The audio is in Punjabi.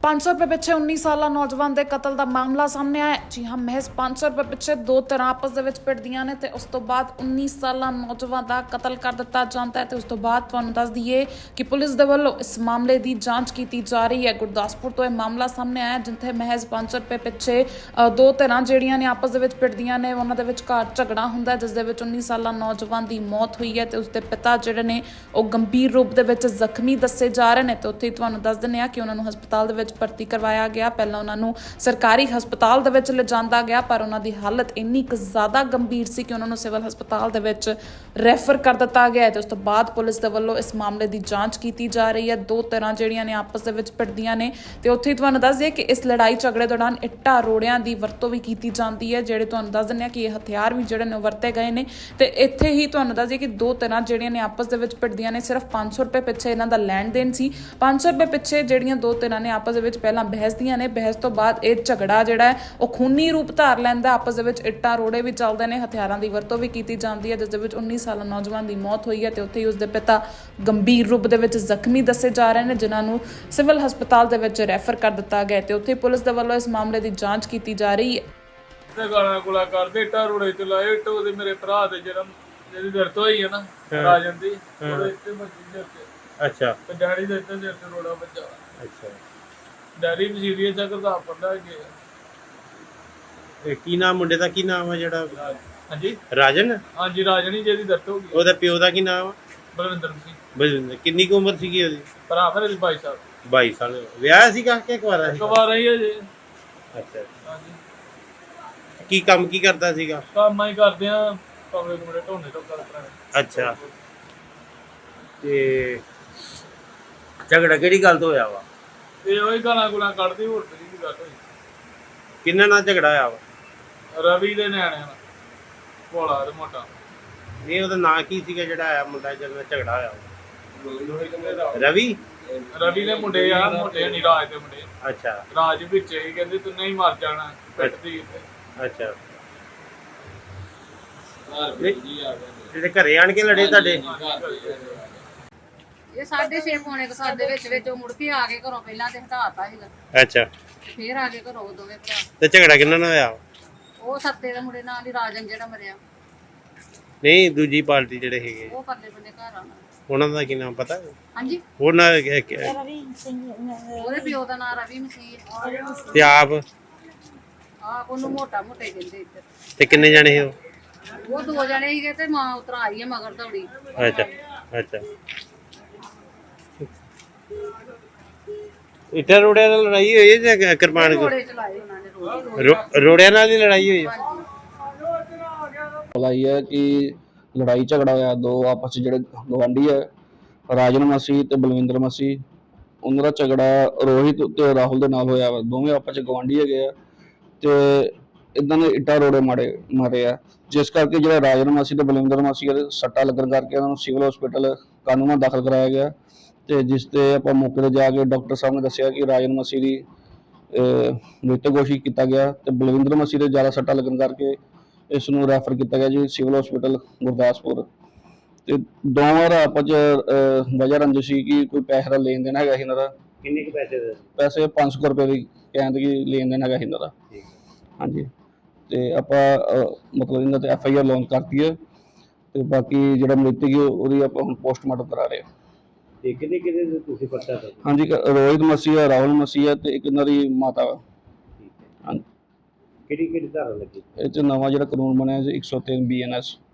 500 रुपए ਪਿੱਛੇ 19 ਸਾਲਾ ਨੌਜਵਾਨ ਦੇ ਕਤਲ ਦਾ ਮਾਮਲਾ ਸਾਹਮਣੇ ਆਇਆ। ਜੀ ਹਾਂ, ਮਹਿਜ਼ 500 ਰੁਪਏ ਪਿੱਛੇ ਦੋ ਧਿਰਾਂ ਆਪਸ ਦੇ ਵਿੱਚ ਭਿੜਦੀਆਂ ਨੇ ਤੇ ਉਸ ਤੋਂ ਬਾਅਦ 19 ਸਾਲਾ ਨੌਜਵਾਨ ਦਾ ਕਤਲ ਕਰ ਦਿੱਤਾ ਜਾਂਦਾ ਹੈ। ਤੇ ਉਸ ਤੋਂ ਬਾਅਦ ਤੁਹਾਨੂੰ ਦੱਸ ਦਈਏ ਕਿ ਪੁਲਿਸ ਦੇ ਵੱਲੋਂ ਇਸ ਮਾਮਲੇ ਦੀ ਜਾਂਚ ਕੀਤੀ ਜਾ ਰਹੀ ਹੈ। ਗੁਰਦਾਸਪੁਰ ਤੋਂ ਇਹ ਮਾਮਲਾ ਸਾਹਮਣੇ ਆਇਆ, ਜਿੱਥੇ ਮਹਿਜ਼ 500 ਰੁਪਏ ਪਿੱਛੇ ਦੋ ਧਿਰਾਂ ਜਿਹੜੀਆਂ ਨੇ ਆਪਸ ਦੇ ਵਿੱਚ ਭਿੜਦੀਆਂ ਨੇ। ਉਹਨਾਂ ਦੇ ਵਿਚਕਾਰ ਝਗੜਾ ਹੁੰਦਾ, ਜਿਸ ਦੇ ਵਿੱਚ 19 ਸਾਲਾ ਨੌਜਵਾਨ ਦੀ ਮੌਤ ਹੋਈ ਹੈ ਤੇ ਉਸਦੇ ਪਿਤਾ ਜਿਹੜੇ ਨੇ ਉਹ ਗੰਭੀਰ ਰੂਪ ਦੇ ਵਿੱਚ ਜ਼ਖਮੀ ਦੱਸੇ ਜਾ ਰਹੇ ਨੇ। ਤੇ ਉੱਥੇ ਤੁਹਾਨੂੰ ਦੱਸ ਦਿੰਦੇ ਆ ਕਿ ਉਹਨਾਂ ਨੂੰ ਹਸਪਤਾਲ ਦੇ ਵਿੱਚ ਭਰਤੀ ਕਰਵਾਇਆ ਗਿਆ। ਪਹਿਲਾਂ ਉਹਨਾਂ ਨੂੰ ਸਰਕਾਰੀ ਹਸਪਤਾਲ ਦੇ ਵਿੱਚ ਲਿਜਾਂਦਾ ਗਿਆ, ਪਰ ਉਹਨਾਂ ਦੀ ਹਾਲਤ ਇੰਨੀ ਕੁ ਜ਼ਿਆਦਾ ਗੰਭੀਰ ਸੀ ਕਿ ਉਹਨਾਂ ਨੂੰ ਸਿਵਲ ਹਸਪਤਾਲ ਦੇ ਵਿੱਚ ਰੈਫਰ ਕਰ ਦਿੱਤਾ ਗਿਆ। ਤੇ ਉਸ ਤੋਂ ਬਾਅਦ ਪੁਲਿਸ ਦੇ ਵੱਲੋਂ ਇਸ ਮਾਮਲੇ ਦੀ ਜਾਂਚ ਕੀਤੀ ਜਾ ਰਹੀ ਹੈ। ਦੋ ਧਿਰਾਂ ਜਿਹੜੀਆਂ ਨੇ ਆਪਸ ਦੇ ਵਿੱਚ ਭਿੜਦੀਆਂ ਨੇ ਤੇ ਉੱਥੇ ਤੁਹਾਨੂੰ ਦੱਸ ਦਈਏ ਕਿ ਇਸ ਲੜਾਈ ਝਗੜੇ ਦੌਰਾਨ ਇੱਟਾਂ ਰੋੜਿਆਂ ਦੀ ਵਰਤੋਂ ਵੀ ਕੀਤੀ ਜਾਂਦੀ ਹੈ, ਜਿਹੜੇ ਤੁਹਾਨੂੰ ਦੱਸ ਦਿੰਦੇ ਆ ਕਿ ਇਹ ਹਥਿਆਰ ਵੀ ਜਿਹੜੇ ਨੇ ਵਰਤੇ ਗਏ ਨੇ। ਤੇ ਇੱਥੇ ਹੀ ਤੁਹਾਨੂੰ ਦੱਸ ਦਈਏ ਕਿ ਦੋ ਧਿਰਾਂ ਜਿਹੜੀਆਂ ਨੇ ਆਪਸ ਦੇ ਵਿੱਚ ਭਿੜਦੀਆਂ ਨੇ। ਸਿਰਫ 500 ਰੁਪਏ ਪਿੱਛੇ ਇਹਨਾਂ ਦਾ ਲੈਣ ਦੇਣ ਸੀ। 500 ਰੁਪਏ ਪਿੱਛੇ ਜਿਹੜੀਆਂ ਦੋ ਧਿਰਾਂ ਨੇ ਆਪਸ ਦੇ ਵਿੱਚ ਪਹਿਲਾਂ ਬਹਿਸਦੀਆਂ ਨੇ। ਬਹਿਸ ਤੋਂ ਬਾਅਦ ਇਹ ਝਗੜਾ ਜਿਹੜਾ ਹੈ ਉਹ ਖੂਨੀ ਰੂਪ ਧਾਰ ਲੈਂਦਾ। ਆਪਸ ਦੇ ਵਿੱਚ ਇੱਟਾਂ ਰੋੜੇ ਵੀ ਚੱਲਦੇ ਨੇ, ਹਥਿਆਰਾਂ ਦੀ ਵਰਤੋਂ ਵੀ ਕੀਤੀ ਜਾਂਦੀ ਹੈ, ਜਿਸ ਦੇ ਵਿੱਚ 19 ਸਾਲਾ ਨੌਜਵਾਨ ਦੀ ਮੌਤ ਹੋਈ ਹੈ ਤੇ ਉੱਥੇ ਹੀ ਉਸਦੇ ਪਿਤਾ ਗੰਭੀਰ ਰੂਪ ਦੇ ਵਿੱਚ ਜ਼ਖਮੀ ਦੱਸੇ ਜਾ ਰਹੇ ਨੇ, ਜਿਨ੍ਹਾਂ ਨੂੰ ਸਿਵਲ ਹਸਪਤਾਲ ਦੇ ਵਿੱਚ ਰੈਫਰ ਕਰ ਦਿੱਤਾ ਗਿਆ। ਤੇ ਉੱਥੇ ਪੁਲਿਸ ਦੇ ਵੱਲੋਂ ਇਸ ਮਾਮਲੇ ਦੀ ਜਾਂਚ ਕੀਤੀ ਜਾ ਰਹੀ ਹੈ। ਤੇ ਗਾਲਾਂ ਗੁਲਾ ਕਰਦੇ ਇੱਟਾਂ ਰੋੜੇ ਚ ਲਾਏ। ਇੱਟ ਉਹਦੇ ਮੇਰੇ ਭਰਾ ਦੇ ਜਿਹਦੀ ਦਰਦ ਹੋਈ ਹੈ ਨਾ ਰਾਜਨ ਦੀ, ਉਹਦੇ ਇੱਥੇ ਵੱਜੀ ਦੇ ਉੱਤੇ। ਅੱਛਾ। ਤੇ ਡੈਡੀ ਦੇ ਇੱਥੇ ਰੋੜਾ ਵੱਜਾ। ਅੱਛਾ। ਡੈਡੀ ਵੀ ਸੀਰੀਅਸ ਆ, ਕਰਦਾ ਪੜਦਾ ਗਿਆ। ਇਹ ਕੀ ਨਾਮ ਮੁੰਡੇ ਦਾ, ਕੀ ਨਾਮ ਆ ਜਿਹੜਾ? ਹਾਂਜੀ ਰਾਜਨ। ਹਾਂਜੀ, ਰਾਜਨ ਹੀ ਜਿਹਦੀ ਦਰਦ ਹੋ ਗਈ। ਉਹਦਾ ਪਿਓ ਦਾ ਕੀ ਨਾਮ ਆ? ਬਲਵਿੰਦਰ ਸਿੰਘ। ਬਲਵਿੰਦਰ। ਕਿੰਨੀ ਕੁ ਉਮਰ ਸੀਗੀ ਉਹਦੀ? ਭਰਾ ਮੇਰੇ 22 ਸਾਲ। 22 ਸਾਲ। ਵਿਆਹ ਸੀਗਾ ਕਿ ਕੁਆਰਾ ਸੀ? ਕੁਵਾਰਾ ਹੀ ਹੈ ਜੀ। ਅੱਛਾ। ਹਾਂਜੀ। ਕੀ ਕੰਮ ਕੀ ਕਰਦਾ ਸੀਗਾ? ਕੰਮ ਹੀ ਕਰਦੇ ਆ, ਕਮਰੇ ਕੁਮਰੇ ਢੋਣੇ ਤੋਂ ਕਰਦੇ। ਅੱਛਾ। ਤੇ ਝਗੜਾ ਕਿਹੜੀ ਗੱਲ ਤੋਂ ਹੋਇਆ ਵਾ? ਇਹ ਉਹੀ ਗਾਲਾਂ ਗੁਲਾਂ ਕੱਢਦੀ, ਹੋਰ ਤੇਰੀ ਗੱਲ ਹੋਈ। ਕਿੰਨਾ ਨਾਲ ਝਗੜਾ ਹੋਇਆ ਵਾ? ਰਵੀ ਦੇ ਨਿਆਣਿਆਂ ਨਾਲ, ਭੋਲਾ ਤੇ ਮੋਟਾ। ਨਹੀਂ, ਉਹਦਾ ਨਾਂ ਕੀ ਸੀਗਾ ਜਿਹੜਾ ਆਇਆ ਮੁੰਡਾ ਜਿਹਦੇ ਨਾਲ ਝਗੜਾ ਹੋਇਆ? ਰਵੀ। ਰਵੀ ਦੇ ਮੁੰਡੇ ਆ, ਮੋਟੇ ਨਹੀਂ, ਰਾਜ ਦੇ ਮੁੰਡੇ। ਅੱਛਾ। ਰਾਜ ਵਿੱਚ ਹੀ ਕਹਿੰਦੇ ਤੂੰ ਨਹੀਂ ਮਰ ਜਾਣਾ, ਪਿੱਟਦੀ। ਅੱਛਾ। ਜਿਹੜੇ ਘਰੇ ਆਣ ਕੇ ਲੜੇ ਤੁਹਾਡੇ? ਇਹ 6:30 ਪੌਣੇ 7 ਦੇ ਵਿੱਚ ਉਹ ਮੁੜ ਕੇ ਆ ਕੇ ਘਰੋਂ ਪਹਿਲਾਂ ਤੇ ਹਟਾਤਾ ਸੀਗਾ, ਅੱਛਾ। ਫੇਰ ਆ ਕੇ ਘਰੋਂ ਦੋਵੇਂ ਭਰਾ। ਤੇ ਝਗੜਾ ਕਿੰਨਾ ਨਾਲ ਹੋਇਆ? ਉਹ ਸੱਤੇ ਦੇ ਮੁੰਡੇ ਨਾਲ ਹੀ, ਰਾਜਨ ਜਿਹੜਾ ਮਰਿਆ। ਨਹੀਂ, ਦੂਜੀ ਪਾਰਟੀ ਜਿਹੜੇ ਹੈਗੇ ਉਹ ਪਰਲੇ ਬੰਦੇ ਘਰ ਆਉਣਾ। ਉਹਨਾਂ ਦਾ ਕੀ ਨਾਮ ਪਤਾ? ਹਾਂਜੀ, ਉਹਨਾਂ ਉਹਦੇ ਪਿਓ ਦਾ ਨਾਂ ਰਵੀ ਮਸੀਹ। ਤੇ ਆਪ ਉਹਨੂੰ ਮੋਟਾ ਮੋਟੇ ਕਹਿੰਦੇ ਇੱਧਰ। ਤੇ ਕਿੰਨੇ ਜਾਣੇ ਸੀ ਉਹ? ਉਹ ਦੋ ਜਣੇ ਸੀਗੇ ਤੇ ਮਾਂ ਉਤਰ ਆਈ ਹੈ ਮਗਰ ਦੌੜੀ। ਅੱਛਾ। ਅੱਛਾ। ਇੱਟਾਂ ਰੋੜਿਆਂ ਨਾਲ ਲੜਾਈ ਹੋਈ ਹੈ ਜਾਂ ਕਿਰਪਾਨ? ਘੋੜੇ ਚਲਾਏ ਉਹਨਾਂ ਨੇ ਰੋਜ਼। ਰੋੜਿਆਂ ਨਾਲ ਹੀ ਲੜਾਈ ਹੋਈ ਹੈ? ਇਹ ਹੈ ਕਿ ਲੜਾਈ ਝਗੜਾ ਹੋਇਆ ਦੋ ਆਪਸ ਜਿਹੜੇ ਗਵਾਂਢੀ ਹੈ, ਰਾਜਨ ਮਸੀਹ ਤੇ ਬਲਵਿੰਦਰ ਮਸੀਹ। ਉਹਨਾਂ ਦਾ ਝਗੜਾ ਰੋਹਿਤ ਤੇ ਰਾਹੁਲ ਦੇ ਨਾਲ ਹੋਇਆ ਵਾ। ਦੋਵੇਂ ਆਪਸ ਚ ਗਵਾਂਢੀ ਹੈਗੇ ਆ ਤੇ ਇਦਾਂ ਦੇ ਇੱਟਾਂ ਰੋੜੇ ਮਾਰੇ ਆ, ਜਿਸ ਕਰਕੇ ਜਿਹੜਾ ਰਾਜਨ ਮਸੀਹ ਤੇ ਬਲਵਿੰਦਰ ਮਸੀਹ ਦੇ ਸੱਟਾਂ ਲੱਗਣ ਕਰਕੇ ਉਹਨਾਂ ਨੂੰ ਸਿਵਲ ਹਸਪੀਟਲ ਕਾਨੂੰਨਾਂ ਦਾਖਲ ਕਰਾਇਆ ਗਿਆ। ਤੇ ਜਿਸ ਤੇ ਆਪਾਂ ਮੌਕੇ ਤੇ ਜਾ ਕੇ ਡਾਕਟਰ ਸਾਹਿਬ ਨੇ ਦੱਸਿਆ ਕਿ ਰਾਜਨ ਮਸੀਹ ਦੀ ਮ੍ਰਿਤਕ ਘੋਸ਼ਿਤ ਕੀਤਾ ਗਿਆ ਤੇ ਬਲਵਿੰਦਰ ਮਸੀਹ ਦੇ ਜ਼ਿਆਦਾ ਸੱਟਾਂ ਲੱਗਣ ਕਰਕੇ ਇਸ ਨੂੰ ਰੈਫਰ ਕੀਤਾ ਗਿਆ ਜੀ ਸਿਵਲ ਹਸਪੀਟਲ ਗੁਰਦਾਸਪੁਰ। ਤੇ ਦੋਵਾਂ ਦਾ ਆਪਸ ਵਜ੍ਹਾ ਰੰਜਿਸ਼ ਸੀ ਕਿ ਕੋਈ ਪੈਸੇ ਦਾ ਲੈਣ ਦੇਣ ਹੈਗਾ ਸੀ ਇਹਨਾਂ ਦਾ। ਕਿੰਨੇ ਕੁ ਪੈਸੇ ਦੇ? ਪੈਸੇ 500 ਰੁਪਏ ਦੀ ਕਹਿੰਦੇ ਕਿ ਲੈਣ ਦੇਣ ਹੈਗਾ ਸੀ ਇਹਨਾਂ ਦਾ। ਹਾਂਜੀ। ਤੇ ਆਪਾਂ ਮਤਲਬ ਇਹਨਾਂ ਤੇ FIR ਲਾਂਚ ਕਰਤੀ ਹੈ ਤੇ ਬਾਕੀ ਜਿਹੜਾ ਮ੍ਰਿਤਕ ਹੈ ਉਹਦੀ ਆਪਾਂ ਹੁਣ ਪੋਸਟਮਾਰਟਮ ਕਰਾ ਰਹੇ ਹਾਂ। ਤੇ ਕਿੰਨੇ ਕਿੰਨੇ ਤੁਸੀਂ ਪਰਚਾ ਕਰਦੇ? ਹਾਂਜੀ, ਰੋਹਿਤ ਮਸੀਹ ਹੈ, ਰਾਹੁਲ ਮਸੀਹ ਹੈ ਤੇ ਇੱਕ ਇਹਨਾਂ ਦੀ ਮਾਤਾ ਵਾ। ਹਾਂਜੀ। ਕਿਹੜੀ ਕਿਹੜੀ ਧਾਰਾ ਲੱਗੀ? ਇਹ 'ਚ ਨਵਾਂ ਜਿਹੜਾ ਕਾਨੂੰਨ ਬਣਿਆ ਜੀ 103 BNS।